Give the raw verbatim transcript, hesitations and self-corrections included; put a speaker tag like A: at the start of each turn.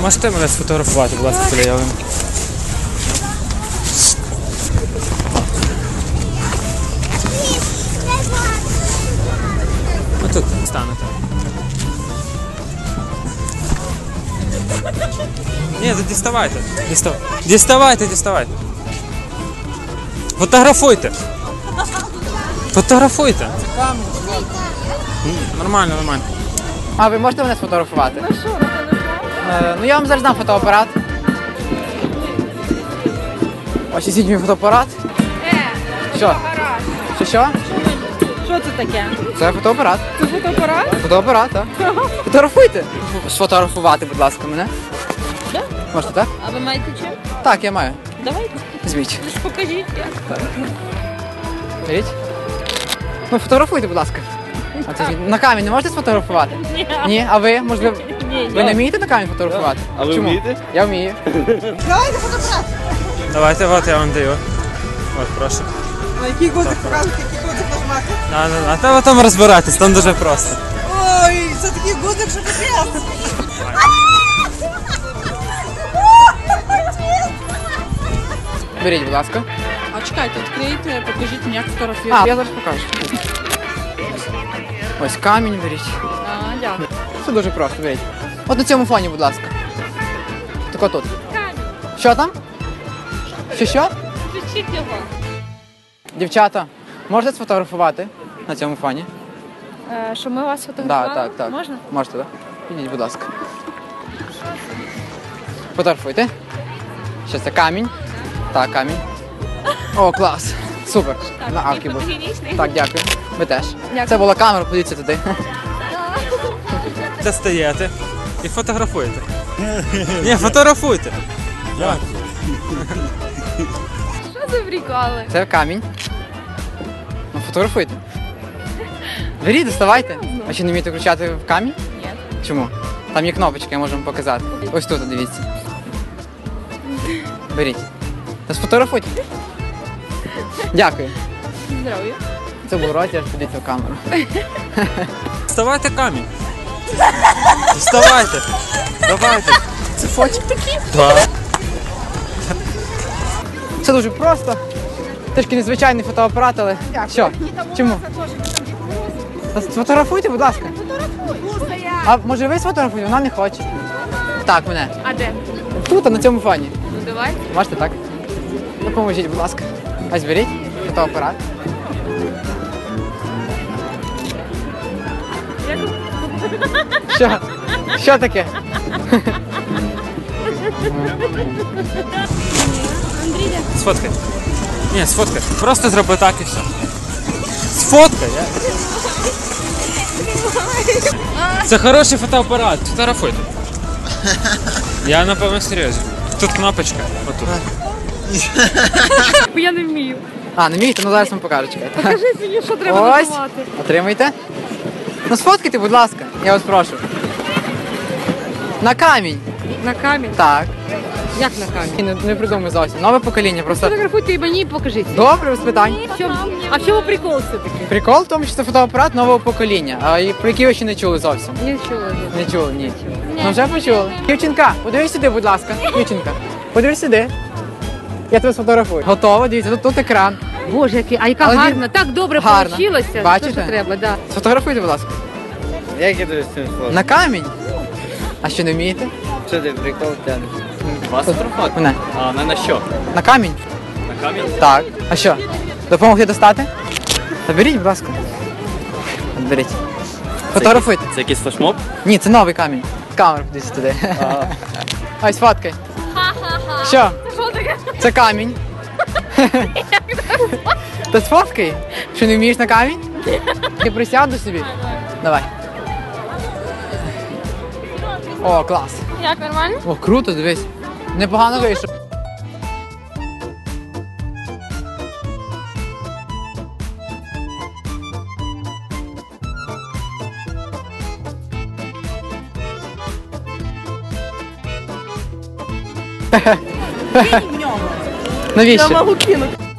A: Можете мене сфотографувати, будь ласка, біля ялинки? Отут станете. Ні, то діставайте. Дістав... Діставайте, діставайте. Фотографуйте. Фотографуйте. Нормально, нормально.
B: А ви можете мене сфотографувати?
C: Ну що, на телефон?
B: Е, ну я вам зараз дам фотоапарат. Ось візьміть мій фотоапарат.
C: Е,
B: Що?
C: гаразд.
B: Що що?
C: Що це таке?
B: Це фотоапарат.
C: Це фотоапарат?
B: Фотоапарат, так. Фотографуйте. Сфотографувати, будь ласка, мене.
C: Да?
B: Можете, так?
C: А ви маєте чим?
B: Так, я маю.
C: Давайте.
B: Візьміть.
C: Лиш покажіть як.
B: Беріть. Ну, фотографуйте, будь ласка. А це на камінь не можете сфотографувати?
C: Ні.
B: Ні, а ви, можливо,
C: Ні,
B: ви не вмієте на камінь фотографувати?
D: А ви
B: Чому?
D: вмієте?
B: Я вмію.
A: Давайте, от я вам даю. От, прошу.
E: На який гудзик показувати, який гудзик нажмати?
A: А, а, а та ви там розбиратись, там дуже просто.
E: Ой, це такий гудзик, що капець.
B: Беріть, будь ласка.
E: А чекайте, відкрийте, покажіть мені, як
B: А,
E: фотографувати.
B: я зараз покажу. Ось камінь беріть.
E: А, дякую.
B: Це дуже просто, беріть. От на цьому фоні, будь ласка. Так отут.
C: Камінь.
B: Що там? Що що?
C: Включіть його.
B: Дівчата, можете сфотографувати на цьому фоні?
C: Е, що ми вас
B: Так,
C: фотографували?
B: так, так.
C: Можна?
B: Можете, так? Підіть, будь ласка. Фотографуйте. Що це камінь? Так, камінь. О, клас. Супер. На авкі був.
C: фотогенічний.
B: Так, дякую. Ви теж.
C: Дякую.
B: Це була камера, подивіться туди.
A: Достаєте і фотографуєте. Ні, фотографуйте.
C: Що за приколи?
B: Це камінь. Ну, фотографуйте. Беріть, доставайте. А чи не вмієте включати в камінь?
C: Ні.
B: Чому? Там є кнопочка, я можу вам показати. Ось тут, дивіться. Беріть. Та сфотографуйте. Дякую.
C: Здоров'я.
B: Це був розіграш, подивіться в камеру.
A: Вставайте камінь. Вставайте. Давайте.
B: Це фотик такий?
A: Так.
B: Це дуже просто. Трішки незвичайний фотоапарат, але... Що? Чому? Та сфотографуйте, будь ласка. А може ви сфотографуєте? Вона не хоче. Так, мене.
C: А де?
B: Тут, на цьому фоні.
C: Ну давай.
B: Можете так? Допоможіть, будь ласка. Ось беріть фотоапарат. Що? Що таке?
A: Сфоткай. Ні, сфоткай. Просто зроби так і все. Сфоткай. Я... Це хороший фотоапарат. Фотографуйте. Я на повному серйозі. Тут кнопочка. Отут.
C: Бо я не вмію.
B: А, не вмієте? Ну зараз вам покажу, чекайте.
C: Покажіть мені, що треба
B: Ось.
C: нажимати.
B: Отримайте. Ну сфоткайте, будь ласка. Я вас прошу. На камінь.
C: На камінь?
B: Так.
C: Як на камінь?
B: Не, не придумай зовсім. Нове покоління, просто.
C: Фотографуйте і мені покажіть.
B: Добре, без питань.
C: В чому- А в чому прикол все-таки?
B: Прикол в тому, що це фотоапарат нового покоління, а і про який ви ще не чули зовсім.
C: Не чула.
B: Не чули, ні. Ну вже почули. Дівчинка, подивись сюди, будь ласка. Дівчинка, подивись сюди. Я тебе сфотографую. Готово, дивіться, тут, тут екран.
C: Боже, який, а яка
B: Але він-
C: гарна, так добре
B: Гарна.
C: вийшло.
B: Бачите?
C: Що треба, да.
B: Сфотографуйте, будь ласка.
D: Як я тобі з цим сложно?
B: На камінь. А що не вмієте?
D: Що ти прикол тянеш? Вас фотографувати?
B: Мене.
D: А, не на що?
B: На камінь?
D: На камінь?
B: Так. А що? Допомогти достати? Та беріть, будь ласка. От беріть. Фотографуйте.
D: Це якийсь флешмоб?
B: Ні, це новий камінь. Камеру десь туди. Ось фоткай. Що?
C: Що таке?
B: Це камінь. Та сфоткай. Що не вмієш на камінь? Я присяду собі. Давай. О, клас.
C: Як, нормально?
B: О, круто, дивись. Непогано вийшов. Навіщо?
E: Я можу кинути.